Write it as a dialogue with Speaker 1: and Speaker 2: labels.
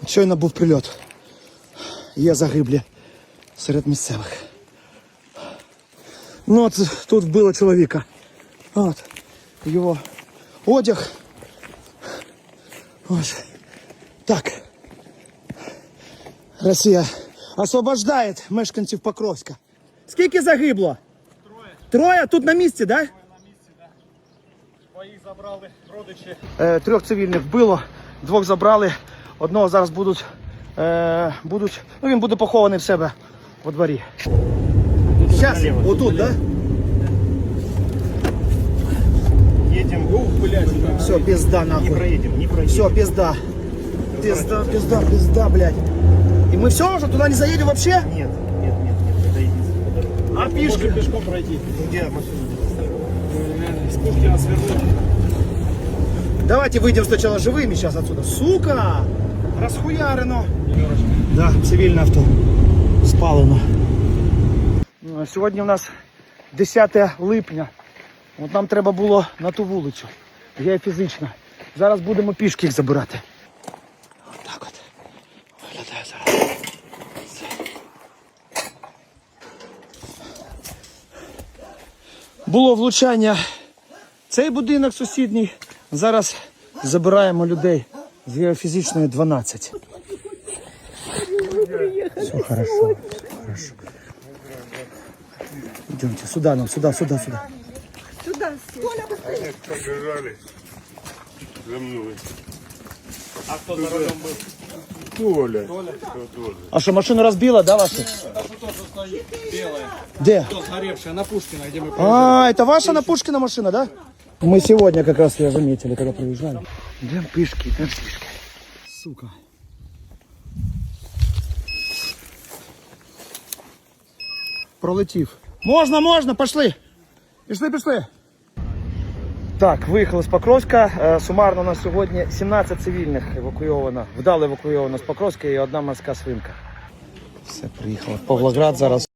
Speaker 1: Щойно був прильот. Є загиблі серед місцевих. Ну от тут вбило чоловіка. От. Його одяг. Ось. Так. Росія освобождає мешканців Покровська. Скільки загибло? Троє? Тут на місці, так? Да?
Speaker 2: На місці, так. Своїх забрали родичі.
Speaker 1: 3 цивільних вбило, 2 забрали, одного зараз будуть, він буде похований в себе во дворі. Зараз, отут, так? Да?
Speaker 2: Едем.
Speaker 1: Все, пизда нахуй.
Speaker 2: Не проедем.
Speaker 1: Все, пизда. Пизда, блядь. И мы все уже туда не заедем вообще?
Speaker 2: Нет, это единственная дорога.
Speaker 1: А пешком?
Speaker 2: Пешком пройти. Где машину поставить? С Пушкина свернуть.
Speaker 1: Давайте выйдем сначала живыми сейчас отсюда. Сука! Расхуярено. Да, цивільне авто. Спалено. Сьогодні у нас 10 липня. От нам треба було на ту вулицю. Я фізично. Зараз будемо пішки їх забирати. Ось так от. Виглядає зараз. Було влучання. Цей будинок сусідній. Зараз забираємо людей з геофізичної 12. Все хорошо. Идемте сюда нам, сюда.
Speaker 3: Сюда.
Speaker 4: Побежали за мной.
Speaker 2: А кто за рулем был?
Speaker 4: Толя.
Speaker 1: А что, машину разбила, да, вашу?
Speaker 2: Та що тут стоїть белая.
Speaker 1: Где?
Speaker 2: Тут сгоревшая на Пушкина, где мы
Speaker 1: А, это ваша на Пушкина машина, да? Мы сегодня как раз ее заметили, когда приезжали. Идем пешки. Сука. Пролетів. Можна, пошли. Пішли. Так, виїхали з Покровська. Сумарно на сьогодні 17 цивільних евакуйовано, вдало евакуйовано з Покровська і 1 морська свинка. Все, приїхали в Павлоград зараз.